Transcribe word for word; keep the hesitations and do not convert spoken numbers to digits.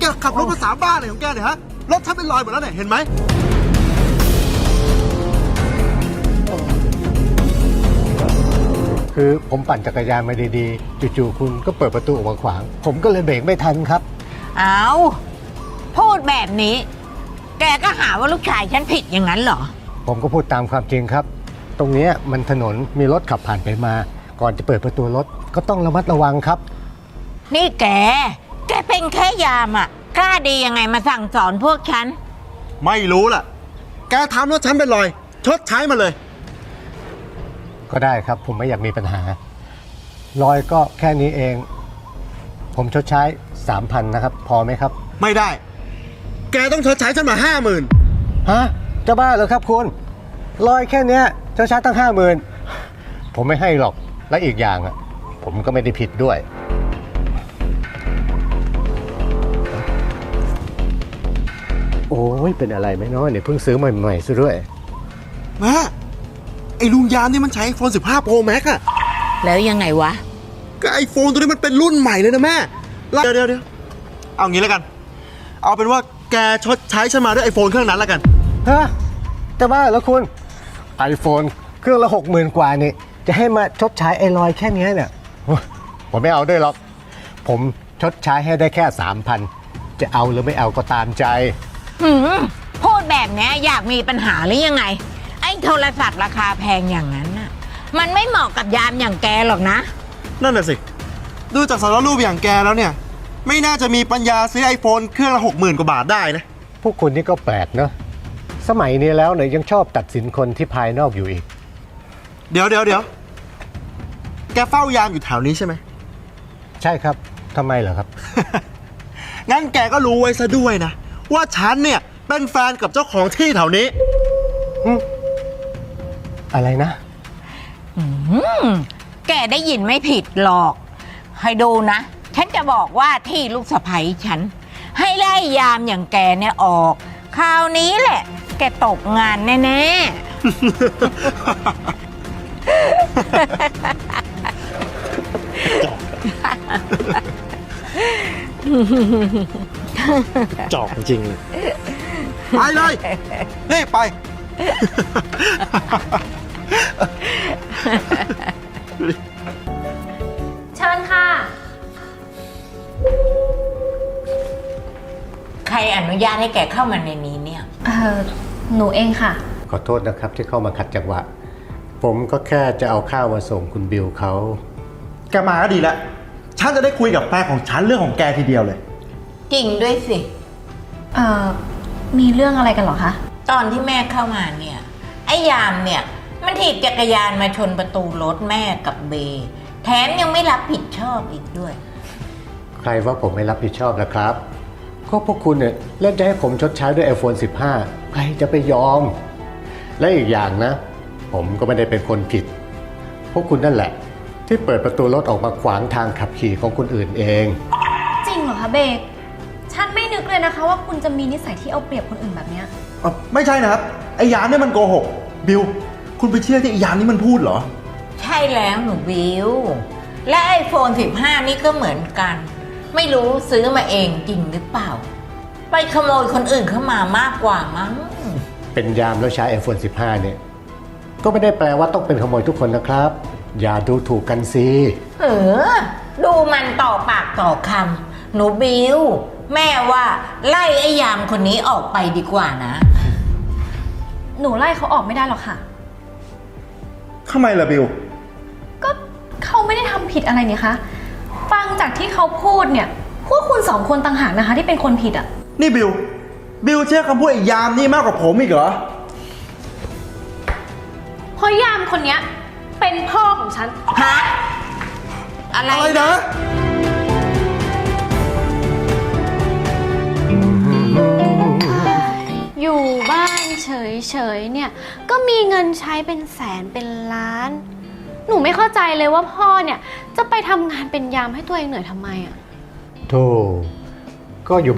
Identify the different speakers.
Speaker 1: ขับรถภาษาบ้าอะไรของแกเนี่ยฮะรถฉันเป็นรอยหมดแล้วเนี่ยเห็นไหม
Speaker 2: คือผมปั่นจักรยานมาดีๆจู่ๆคุณก็เปิดประตูออกมาขวางผมก็เลยเบรกไม่ทันครับ
Speaker 3: เอาพูดแบบนี้แกก็หาว่าลูกชายฉันผิดอย่างนั้นเหรอ
Speaker 2: ผมก็พูดตามความจริงครับตรงนี้มันถนนมีรถขับผ่านไปมาก่อนจะเปิดประตูรถก็ต้องระมัดระวังครับ
Speaker 3: นี่แกแกเป็นแค่ยามอ่ะกล้าดียังไงมาสั่งสอนพวกฉัน
Speaker 1: ไม่รู้ล่ะแกทำรถฉันเป็นรอยชดใช้มาเลย
Speaker 2: ก็ได้ครับผมไม่อยากมีปัญหา รอยก็แค่นี้เอง ผมชดใช้ สามพัน นะครับพอไหมครับ
Speaker 1: ไม่ได้แกต้องชดใช้ฉันมา ห้าหมื่น
Speaker 2: ฮะจะบ้าเหรอครับคุณรอยแค่เนี้ยชดใช้ตั้ง ห้าหมื่น ผมไม่ให้หรอกและอีกอย่างอ่ะผมก็ไม่ได้ผิดด้วยโอ้ยเป็นอะไรไหมน้อยเนี่ยเพิ่งซื้อใหม่ๆซะด้วย
Speaker 1: แม่ไอ้ลุงยามนี่มันใช้ ไอโฟน สิบห้า Pro Max อะ
Speaker 3: แล้วยังไงวะ
Speaker 1: ก็ไอโฟนตัวนี้มันเป็นรุ่นใหม่เลยนะแม่เดี๋ยวเดี๋ยวเดี๋ยวเอางี้แล้วกันเอาเป็นว่าแกชดใช้ฉันมาด้วยไอโฟนเครื่องนั้นแล้วกัน
Speaker 2: ฮะแต่ว่าแล้วคุณไอโฟนเครื่องละหกหมื่นกว่านี่จะให้มาชดใช้ไอรอยแค่นี้เนี่ยผมไม่เอาด้วยหรอกผมชดใช้ให้ได้แค่ สามพัน จะเอาหรือไม่เอาก็ตามใจ
Speaker 3: หืมพูดแบบนี้อยากมีปัญหาหรือยังไงไอ้โทรศัพท์ราคาแพงอย่างนั้นน่ะมันไม่เหมาะกับยามอย่างแกหรอกนะ
Speaker 1: นั่นน่ะสิดูจากสารรูปอย่างแกแล้วเนี่ยไม่น่าจะมีปัญญาซื้อไอโฟนเครื่องละหกหมื่นกว่าบาทได้นะ
Speaker 2: พวกคุณนี่ก็แปลกเนอะสมัยนี้แล้วเนี่ยยังชอบตัดสินคนที่ภายนอกอยู่อีก
Speaker 1: เดี๋ยวเดี๋ยวเดี๋ยวแกเฝ้ายามอยู่แถวนี้ใช่ไหม
Speaker 2: ใช่ครับทำไมเหรอครับ
Speaker 1: งั้นแกก็รู้ไว้ซะด้วยนะว่าฉันเนี่ยเป็นแฟนกับเจ้าของที่แถวนี้
Speaker 2: อะไรนะ
Speaker 3: แกได้ยินไม่ผิดหรอกให้ดูนะฉันจะบอกว่าที่ลูกสะใภ้ฉันให้ไล่ยามอย่างแกเนี่ยออกคราวนี้แหละแกตกงานแน่
Speaker 1: ๆจอกจริงไปเลยนี่ไป
Speaker 4: เชิญค่ะ
Speaker 3: ใครอนุญาตให้แกเข้ามาในนี้เนี่ย
Speaker 4: เออหนูเองค่ะ
Speaker 2: ขอโทษนะครับที่เข้ามาขัดจังหวะผมก็แค่จะเอาข้าวมาส่งคุณบิวเขา
Speaker 1: แกมาก็ดีแล้วฉันจะได้คุยกับแฟนของฉันเรื่องของแกทีเดียวเลย
Speaker 3: จริงด้วยสิ
Speaker 4: เอ่อมีเรื่องอะไรกันเหรอคะ
Speaker 3: ตอนที่แม่เข้ามาเนี่ยไอ้ยามเนี่ยมันถีบจักรยานมาชนประตูรถแม่กับเบแถมยังไม่รับผิดชอบอีกด้วย
Speaker 2: ใครว่าผมไม่รับผิดชอบนะครับก็พวกคุณเนี่ยเล่นจะให้ผมชดใช้ด้วย ไอโฟน สิบห้า ใครจะไปยอมและอีกอย่างนะผมก็ไม่ได้เป็นคนผิดพวกคุณนั่นแหละที่เปิดประตูรถออกมาขวางทางขับขี่ของคนอื่นเอง
Speaker 4: จริงเหรอคะเบกฉันไม่นึกเลยนะคะว่าคุณจะมีนิสัยที่เอาเปรียบคนอื่นแบบนี้
Speaker 1: ไม่ใช่นะครับไอ้ยามเนี่ยมันโกหกบิวคุณไปเชื่อที่ไอ้ยามนี่มันพูดเหรอ
Speaker 3: ใช่แล้วหนูบิวและไอโฟน สิบห้า นี่ก็เหมือนกันไม่รู้ซื้อมาเองจริงหรือเปล่าไปขโมยคนอื่นเข้ามามากกว่ามั้ง
Speaker 2: เป็นยามแล้วใช้ ไอโฟน สิบห้า เนี่ยก็ไม่ได้แปลว่าต้องเป็นขโมยทุกคนนะครับอย่าดูถูกกันสิ
Speaker 3: เออดูมันต่อปากต่อคำหนูบิวแม่ว่าไล่ไอ้ยามคนนี้ออกไปดีกว่านะ
Speaker 4: หนูไล่เขาออกไม่ได้หรอกค่ะ
Speaker 1: ทำไมล่ะบิว
Speaker 4: ก็เขาไม่ได้ทำผิดอะไรนี่คะฟังจากที่เขาพูดเนี่ยพวกคุณสองคนต่างหากนะคะที่เป็นคนผิดอ่ะ
Speaker 1: นี่บิวบิวเชื่อคำพูดไอ้ยามนี่มากกว่าผมอีกเหรอ
Speaker 4: เพราะยามคนเนี้ยเป็นพ่อของฉัน
Speaker 3: ฮะอะไร
Speaker 1: อะไรนะ
Speaker 4: อยู่บ้านเฉยๆเนี่ยก็มีเงินใช้เป็นแสนเป็นล้านหนูไม่เข้าใจเลยว่าพ่อเนี่ยจะไปทำงานเป็นยามให้ตัวเองเหนื่อยทำไมอ่ะ
Speaker 2: โธ่ก็อยู่